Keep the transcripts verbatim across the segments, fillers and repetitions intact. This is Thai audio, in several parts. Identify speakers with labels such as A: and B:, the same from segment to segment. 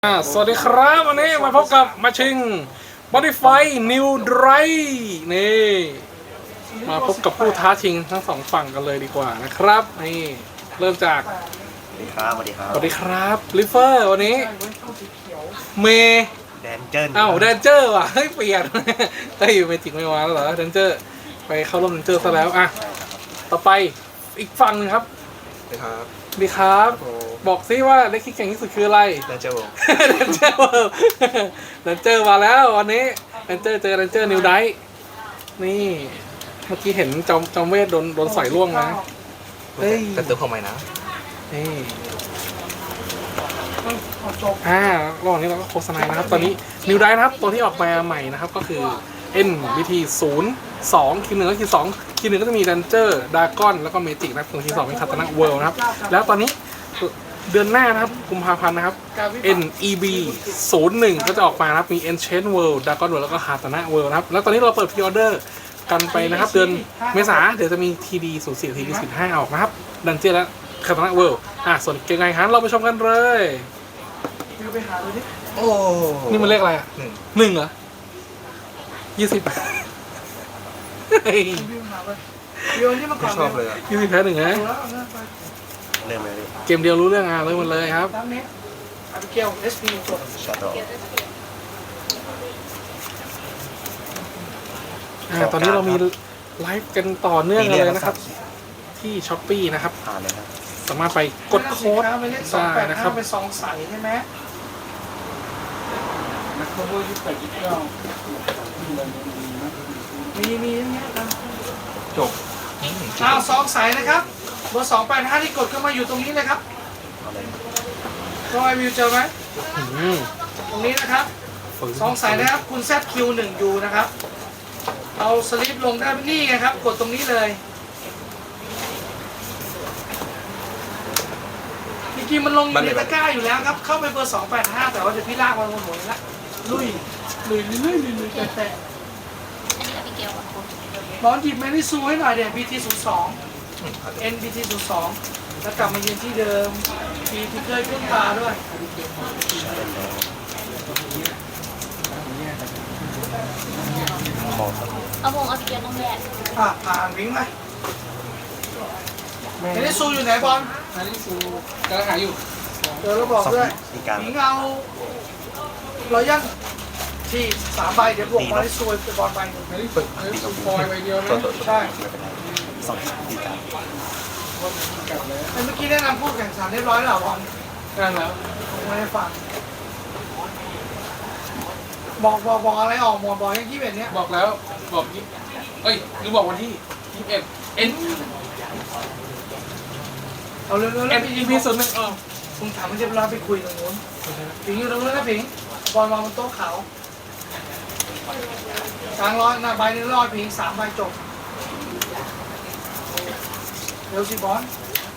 A: อ่าสวัสดีครับวันนี้มาพบกับมาชิง Modify New Drive นี่มาพบกับผู้ท้าชิงทั้งสองฝั่งกันเลยดีกว่านะครับนี่เริ่มจาก
B: สวัสดีครับสวัสดีครับ
A: สวัสดีครับลิฟเฟอร์วันนี้เมย์
B: แดนเจิ้น
A: อ้าวแดนเจอร์ว่ะเฮ้ยเปลี่ยนเฮ้ยเมจิกไม่มาแล้วเหรอแดนเจอร์ไปเข้าร่วมแดนเจอร์ซะแล้วอ่ะต่อไปอีกฝั่งนึงครับ
B: สวัสดีครับ
A: สวัสดีครับบอกซิว่าเล็กที่เก่งที่สุดคืออะไร
B: แดนเจิ้น
A: เรนเจอร์เวิลด์เรนเจอร์มาแล้ววันนี้เรนเจอร์เจอเรนเจอร์นิวไดท์นี่เมื่อกี้เห็นจอมจอมเวทโดนโดนใส่ล่วงนะเฮ้ย
B: กันตัวของใหม่นะ
A: นี่อ่าระหว่างนี้เราก็โฆษณานะครับตอนนี้นิวไดท์นะครับตัวที่ออกมาใหม่นะครับก็คือ N บี ที ศูนย์ สองคีย์หนึ่งก็คีย์สองคีย์หนึ่งก็จะมีเรนเจอร์ดากอนแล้วก็เมจิกนะครับส่วนคีย์สองเป็นคาตานะเวิลด์นะครับแล้วตอนนี้เดือนหน้านะครับกุมภาพันธ์นะครับ N E B ศูนย์หนึ่ง ก็จะออกมานะครับมี Enchant World Dragon World แล้วก็ Katana World นะครับแล้วตอนนี้เราเปิดพรีออเดอร์กันไปนะครับเดือนเมษาเดี๋ยวจะมี ที ดี ศูนย์ สี่ ที ดี สิบห้า ออกนะครับดันเจียนและ Katana World อ่ะส่วนเกมไงฮันเราไปชมกันเลย
B: โอ้
A: นี่มันเลขอะไรอ่ะ
B: หนึ่ง
A: หนึ่งเหรอยี่สิบ
B: ไม่ชอบเลยอ่ะ
A: ยี่สิบแพ้หนึ่งนะ
B: เริ่มเลย
A: เกมเดียวรู้เรื่องอ่ะเริ่มหมดเลยครับ
B: ชัดดอก
A: อ่าตอนนี้เรามีไลฟ์กันต่อเนื่องเลยนะครับ ที่ช้อปปี้นะครับ
B: ผ่านเลยครับ
A: สามารถไปกดโค้ดได้นะครับ
C: เป็นสองใสใช่ไหมมีมีอย่างเงี้ยครับ
B: จบ
C: อ้าวสองใสนะครับเบอร์สองแปดห้าที่กดเข้ามาอยู่ตรงนี้เลยครับ
B: เอาเลย
C: ก็ไอวิวเจอไหม
A: อืม
C: ตรงนี้นะครับสองใสนะครับคุณ แซด คิว หนึ่ง ยู นะครับเอาสลิปลงได้นี่ไงครับกดตรงนี้เลยจริงๆมันลงอยู่ในตะกร้าอยู่แล้วครับเข้าไปเบอร์สองแปดห้าแต่ว่าเดี๋ยวพี่ลากมันหมดละลุยลุยลุยลุยลุยแต่แต่
D: อันนี้กับพี่เกลอ่ะ
C: ร้อนหยิบแมนนี่ซูให้หน่อยเดี๋ยว บี ที ศูนย์ สอง เอ็น บี ที ศูนย์ สอง แล้วกลับมายืนที่เดิมมีที่เคยขึ้นตาด้วย
B: ชัดเลยขอสัก
D: เอาวงเอาพี่เกลต้องแยก
C: อ่ะผ่านวิ่งไปแมนนี่ซูอยู่ไหนบอล
A: อันนี้ซูกำลังหาอยู่
C: เดี๋ยวเราบอก
B: สอง
C: ด้วย
B: อีกการ
C: วิ่งเอารอยันที่สามใบเดี๋ยวบวกมาให้ซูไปบอลใบหนึ่ง
A: ไม่ได้ฝึกไม่ได้ฝึกคอยไปเดียวนะ
B: ตัวตัว
C: ใช่
B: ไม่เป็นไรสองอีกการ
C: ไอ้เมื่อกี้แนะนำผู้แข่งขันเรียบร้อยแล้วเหรอบอล
A: นั่นแล้ว
C: ผมไม่ได้ฟังบอกบอกบอกอะไรออกหมดบอกยังที่แบบเนี้ย
A: บอกแล้วบอกยี่เอ้ยหรือบอกวันที่ยี่สิบเอ็ด N
C: เอาเร็วๆ
A: N
C: แล้ว
A: E
C: พี่
A: P ศูนย์หนึ่งเออ
C: คุณถามมันจะเวลาไปคุยตรงนู้นผิงอยู่ตรงนู้นนะผิงบอลวางบนโต๊ะขาวกลางร้อยหน้าใบหนึงร้อยผิงสามใบจบเร็วสิบอล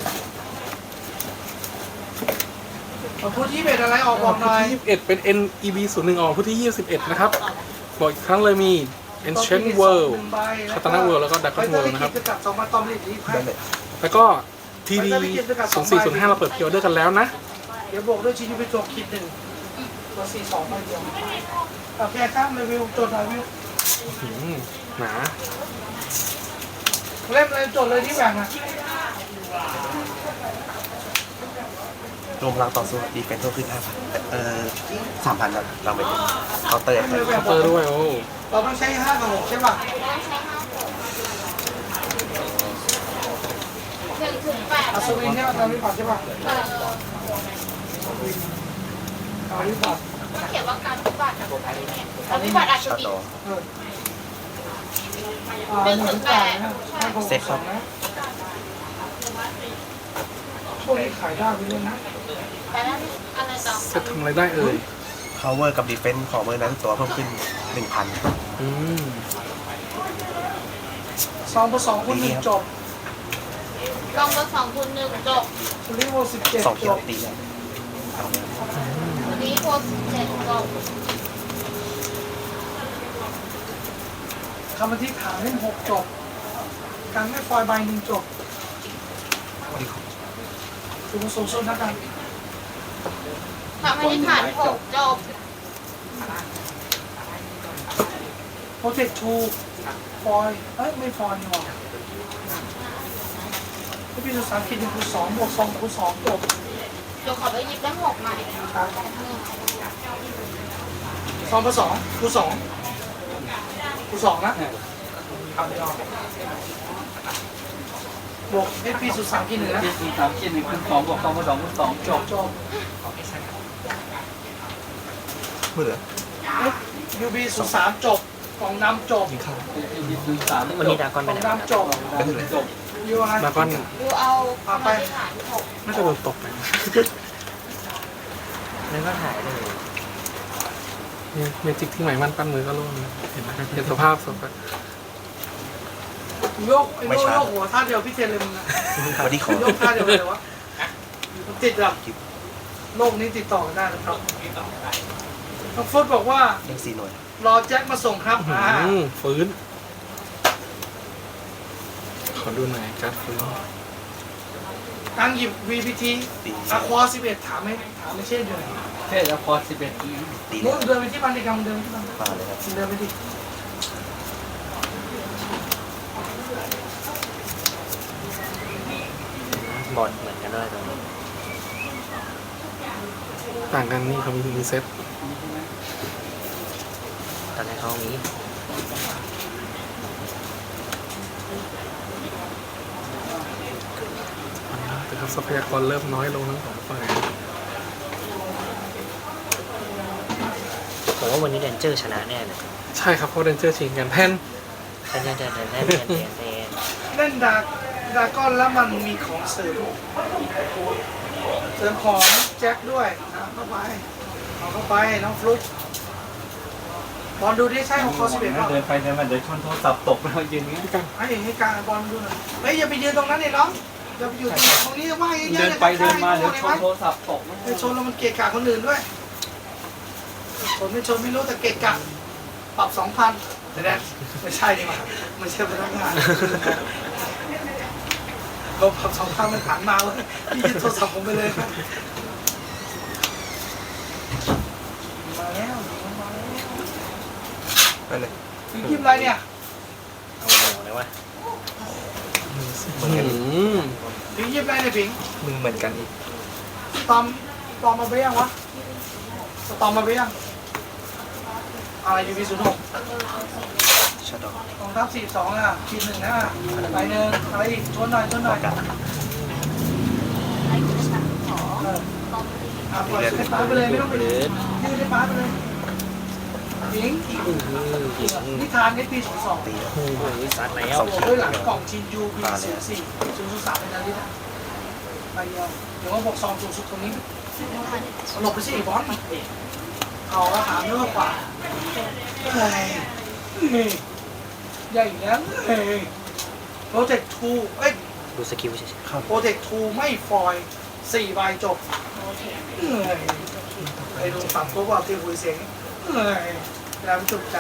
C: มาพูดที่เบ็ดอะไรออกบอกหน่อย
A: ที่ยี่สิบเอ็ดเป็น N E B ศูนย์หนึ่งออกผู้ที่ยี่สิบเอ็ดนะครับบอกอีกครั้งเลยมี Enchant World Katana World แล้วก็ Dragon World นะครับ
C: จะกลับสองมาตอมลิดรีบให้
B: ได้เลย
A: แล้วก็ ที ดี ศูนย์สี่ศูนย์ห้าเราเปิดพรีออเดอร์กันแล้วนะ
C: เดี๋ยวบอกด้วยชิ้นที่ไปจบคิดหนึ่งตัวสี่สองใบเดียวโอเคครับรีวิวจดหน่อยวิว
A: หืมหนา
C: เล่มเลยจดเลยที่แบ่งอ่ะ
B: รวมพลังต่อสู้ดีเป็นเพิ่มขึ้นห้าพันเอ่อสามพันครับเราไปเคาน์เตอร์
C: เล่มเลยแบ่ง
A: เตอร์ด้วยโอ้
C: เราต้องใช้ห้ากับหกใช่ป่ะ
D: หนึ่งถึงแปด
C: อัศวินเนี่ยตามวิบัติใช่ป่ะ
D: เออ
C: ตามวิบัติ
D: ต้องเขียนว่าการวิบัตินะการวิบัติอาจจะ
B: ชัด
D: มี
B: ดอก
C: เอออ่าหนึ่งถึงแปดนะห้ากับหก
B: เซ็ตครับ
C: นะช่วงนี้ขายได้ไปเลยนะ
D: แต่แล้วอะไรต่อ
A: เซตทำอะไรได้เอ่ย
B: power กับ defense ของเบอร์นั้นตัวเพิ่มขึ้นหนึ่งพัน
A: อืม
C: สองผสองคูณหนึ่งจบ
D: ลองเบอร์สองคูณหนึ่งจบ
C: สลิโวสิบเจ็ด
B: สองเขี
C: จ
B: ยว
C: บ
B: ตีแล้วเอาเลย
D: วันนี้โพสเจ็ดจบ
C: คำบันทึกฐานเล่มหกจบการไม่ฟอยใบหนึ่งจบคือมันสูงสุดนะกัน
D: ทำให้ได้ฐานหกจบ
C: โปรเจกต์ทูฟอยเอ้ยไม่ฟอยนี่หว่าพี่สุสานคิดหนึ่งคูณสองบวกสองคูณสองจบ
D: เดี๋ยวขอไปหยิบได้หกใหม่
C: สองคูณสองคูณสองคูณสองนะบวกเอพีสุสานคิดหนึ่งนะ
E: ที่สี่สามขีดหนึ่งคูณสองบวกสองคูณสองคูณสองจบ
C: จบ
B: มือเหลือ
C: ยูบีสุสานจบกล่องนำจบ
B: ยิงเข้า
E: ที่สี่สาม
F: วันนี้ดากอน
C: ก
F: ไป
C: ล่อง
F: ไหน
C: นำจบ
E: จบ
C: ยูไอ
A: ดราก้อน
D: ดูเอาทำให้ได้ฐานหก
A: น่าจะโดนตกไป
F: นั่นก็หายเลย
A: เนี่ยเมจิกที่ใหม่มันปั้นมือก็ร่วงนะเห็นไหมเห็นสภาพศพอะ
C: โยกไอ้โยกโยกหัวท่าเดียวพี่เทนเลยมึงนะ
B: วันนี้ขอ
C: โยกท่าเดียวเลยวะมันติดแบบโลกนี้ติดต่อกันได้นะครับน้องฟุตบอกว่า
B: เล่นสี่หน่วย
C: รอแจ็คมาส่งครับอ่า
A: อืมฟื้น ขอดูหน่อยการดฟื้น
C: ตั้งหยิบ วี พี ที
B: ตี
C: อะควาสิบเอ็ดถามไม่ถามไม่เช่นเดิม
E: เทศแล้วพอสิบเอ็ดอี
B: ตี
C: มึ
B: เนี่ย
C: งเดินไปที่บ้านดีกว่ามึงเดินไปที่บ้าน
B: มาเลยครับ
C: มึงเดินไปดิ
F: บอดเหมือนกันด้วยตรงนี้
A: ต่างกันนี่เขามีมีเซ็ต
F: ตอนแรกเขามี
A: แต่ครับทรัพยากรเริ่มน้อยลงทั้งสองฝ่าย
F: ผมว่าวันนี้เดนเจอร์ชนะแน่เลย
A: ใช่ครับเพราะเดนเจอร์ชิงกันแทน
F: แต่เดนเดนเดนเดนเดนเดนเดน
C: เล่นดาดาก้อนแล้วมันมีของเสริมเสริมของแจ็คด้วยนะเข้าไปเอาเข้าไปน้องฟลุ๊กบอลดูดิใช่ของคอสิบเอ็ดเปล่า
E: เดินไปเดินมาเดินชนโทรศัพท์ตกแล้วยืนอย่างนี้
A: พี่กัน
C: ไอ้ให้การบอลดูหน่อยเฮ้ยอย่าไปยืนตรงนั้นเลยน้องอย่าไปอยู่ตรงนี้ว่างเยอะๆ
E: เดินไปเดินมาเดี๋ยวชน
C: น
E: โทรศัพท์ตก
C: ไปชนแล้วมันเกะกะคนอื่นด้วยชนไม่ชนไม่รู้แต่เกะกะปรับสองพันแต่แน่ไม่ใช่ดีกว่าไม่ใช่พนักงานเราปรับสองพันมันผ่านมาเว้ยพี่ยึดโทรศัพท์ผมไปเลยครับมาแล้วมาแล้ว
B: ไปเลย
C: ถึงยิบอะไรเนี่ย
F: เอาโหเลยวะ
B: เหมือนกัน
A: อืม
C: ถึงยิบอะไรเนี่ยผิง
B: มึงเหมือนกันอีก
C: ตอมตอมมาไปยังวะตอมมาไปยังอะไรยูบีศูนย์หก
B: ชัดดอก
C: กองทัพสี่สองอ่ะทีหนึ่งนะไปหนึ่งอะไรอีกชนหน่อยชนหน่อย
B: กัน
C: เอออ่ะปล่อยให้ป้าไปเลยไม่ต้องไปยืนยืนให้ป้าไปเลยผิงอีกนิทานเอพีศูนย์สอง
B: ตีแล้ว
F: โอ้ยซัดแล้ว
B: สองขีด
C: ด้วยหลังกล่องชินยูบีศูนย์สี่ศูนย์สามเป็นอะไรนี่ไปเดียวเดี๋ยวว่าบอกซองสูงสุดตรงนี้หลบไปสิบอลเอาละถามเรื่องกว่าเฮ้ยใหญ่ยังเฮ้ยโปรเจกต์ทูเอ้ย
F: ดูสกิลเฉย
C: โปรเจกต์ทูไม่ฟอยสี่ใบจบเฮ้ยไอ้ลุงสั่งก็ว่าที่คุยเสียงเฮ้ยแล้วจุกใจ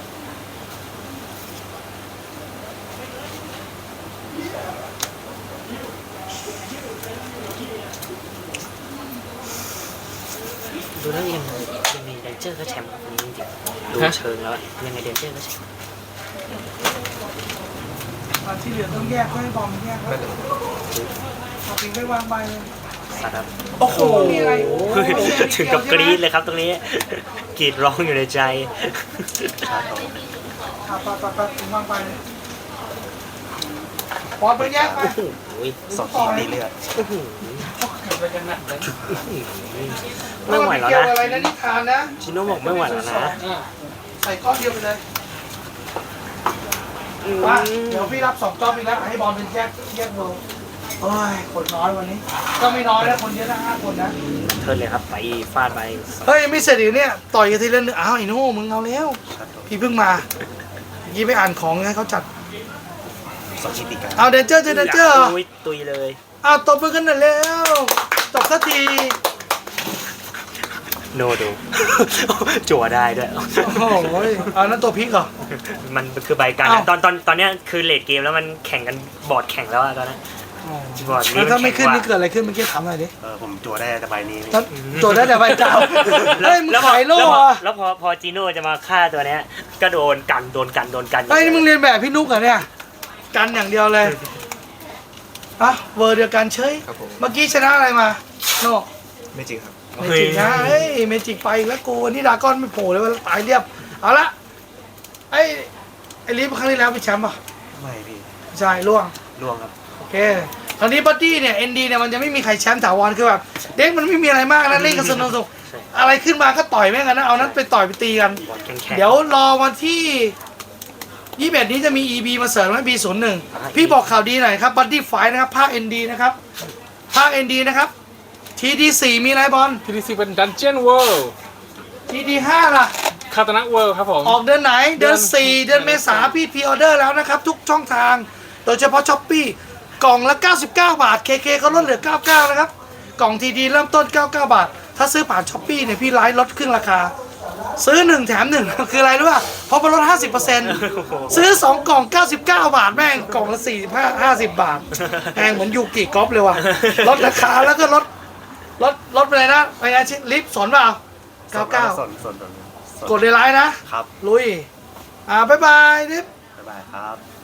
F: ๆดูแล้วยังยังไงเดนเจอร์ก็แชมป์วันนี้จริงๆดูเชิงแล้วอะยังไงเดนเจอร์ก็แชมป์
C: ตอนที่เหลือต้องแยกไม่ให้บอมแยก
B: ไปเลย
C: เอาปิงไปวางใบเลย
F: ซัดครับ
C: โอ้โหมีอะไร
F: ถึงกับกรี๊ดเลยครับตรงนี้กรีดร้องอยู่ในใจ
B: ชัดดอก
C: อ่ะปัดปัดปัดถึงวางใบเลยบอลไปแยกไป
F: โอ้ย
B: สองขีดตีเลือด
F: โอ้โห
E: ไปกันนะ
F: ไม่ไหวแล้ว
C: เกี่ยว
F: นะ
C: อะไรนะนิทานนะ
F: ชิโน่บอกไม่ไหวแล้วนะ
C: ใส่ก้อนเดียวไปเลยว่าเดี๋ยวพี่รับสองก้อนอีกแล้วให้บอลเป็นแยกแยกเบอร์โอ้ยคนน้อยวันนี้ ก็ไม่น้อยนะคนเยอะนะห้าคนนะ
F: เทิร์นเลยครับไปฟาดไป
C: เฮ้ยไม่เสร็จอีกเนี่ยต่อยกันทีละนึงอ้าวไอ้โน่มึงเอาแล้ว
B: ชัดดอก
C: พี่เพิ่งมายี่ไปอ่านของให้เขาจัด
B: สองขีดตีกัน
C: เอาเดนเจอร์เจอเดนเจอร์
F: ตุยตุยเลย
C: อ้าวตบมือกันหน่อยแล้วจบสักที
F: โนดู จั่วได้ด้วย
C: โอ้โหอันนั้นตัวพลิกเหรอ
F: มันคือใบกัน
C: อ้าว
F: ตอนตอนตอนเนี้ยคือเลดเกมแล้วมันแข่งกันบอร์ดแข่งแล้วอะตอนนั้น
C: อ๋อ
F: บอร์ด
C: แล้วถ้าไม่ขึ้นนี่
F: แข็ง
C: เกิดอะไรขึ้นเมื่อกี้ถามหน่อยดิ
B: เออผมจั่วได้แต่ใบนี้
C: ตอนตัวได้แต่ใบเก่าเฮ้ยมึง
F: แล้วพอ
C: ขายโล่
F: แล้วพอ
C: อะ
F: แล้วพอพอจีโน่จะมาฆ่าตัวเนี้ยก็โดนกันโดนกันโดนกัน
C: เฮ้ยนี่มึงเรียนแบบพี่นุ๊กเหรอเนี่ยกันอย่างเดียวเลยอ่ะเวอร์เดียวกันเฉย
B: ครับผม
C: เมื่อกี้ชนะอะไรมาโน่
B: ไม่จริงครับ
C: เมจิกนะเฮ้ยเมจิกไปอีกแล้วกูวันนี้ดราก้อนไม่โผล่เลยว่าตายเรียบเอาละไอ้ไอ้ลิฟครั้งที่แล้วเป็นแชมป์ป่ะ
B: ไม่พี่
C: ใช่ล่วง
B: ล่วงครับ
C: โอเคคราวนี้บัดดี้เนี่ยเอ็นดีเนี่ยมันจะไม่มีใครแชมป์ถาวรคือแบบเด็กมันไม่มีอะไรมากนะเล่นกันสนุกๆอะไรขึ้นมาก็ต่อยแม่งกันนะเอานั้นไปต่อยไปตีกัน
F: บอร์ดแข็งแข็ง
C: เดี๋ยวรอวันที่ยี่สิบเอ็ดนี้จะมี อี บี มาเสริมไหม บี ศูนย์หนึ่ง พี่บอกข่าวดีหน่อยครับบัดดี้ไฟนะครับภาค เอ็น ดี นะครับภาค เอ็น ดี นะครับ ที ดี สี่ มีอะไรบอล
A: ทีดีซีเป็น Dungeon World
C: ที ดี ห้า ล่ะ
A: คาตานะเวิลด์ครับผม
C: ออกเดือนไหน เดือน
A: เดือน
C: สี่ เดือนเมษาพี่พรีออเดอร์แล้วนะครับ ทุกช่องทาง โดยเฉพาะช้อปปี้กล่องละ เก้าสิบเก้า บาท เค เคเขาลดเหลือ เก้าสิบเก้า นะครับ กล่องทีดีเริ่มต้น เก้าสิบเก้า บาท ถ้าซื้อผ่านช้อปปี้เนี่ยพี่ไลฟ์ลดครึ่งราคา ซื้อหนึ่งแถมหนึ่ง คืออะไรรู้ป่ะเพราะมันลด ห้าสิบเปอร์เซ็นต์ ซื้อสองกล่อง เก้าสิบเก้า บาทแม่งกล่องละสี่สิบห้า ห้าสิบบาทแม่งเหมือนยูกิกอล์ฟเลยว่ะลดราคาแล้วก็ลดลดลดไปเลยนะไปไงชิลิฟต์สนเปล่าเก้าสิบเก้า
B: สนสนสนสน
C: กดในไลน์นะ
B: ครับ
C: ลุย อ่า บ๊ายบายนิฟ
B: บ๊ายบายครับ